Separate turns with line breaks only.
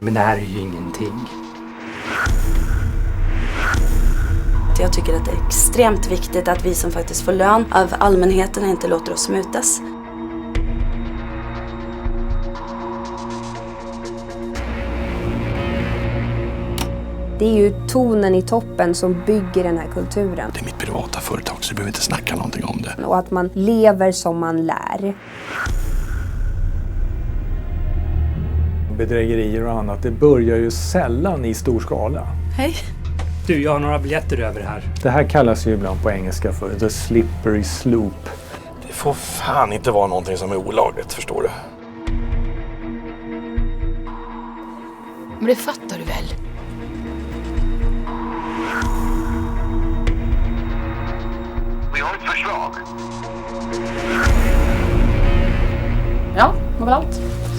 Men det här är ju ingenting.
Jag tycker att det är extremt viktigt att vi som faktiskt får lön av allmänheten inte låter oss mutas.
Det är ju tonen i toppen som bygger den här kulturen.
Det är mitt privata företag så du behöver inte snacka någonting om det.
Och att man lever som man lär.
Bedrägerier och annat, det börjar ju sällan i stor skala.
Hej.
Du, jag har några biljetter över här.
Det här kallas ju ibland på engelska för the slippery slope.
Det får fan inte vara någonting som är olagligt, förstår du?
Men det fattar du väl?
Vi har ett förslag.
Ja, det var allt.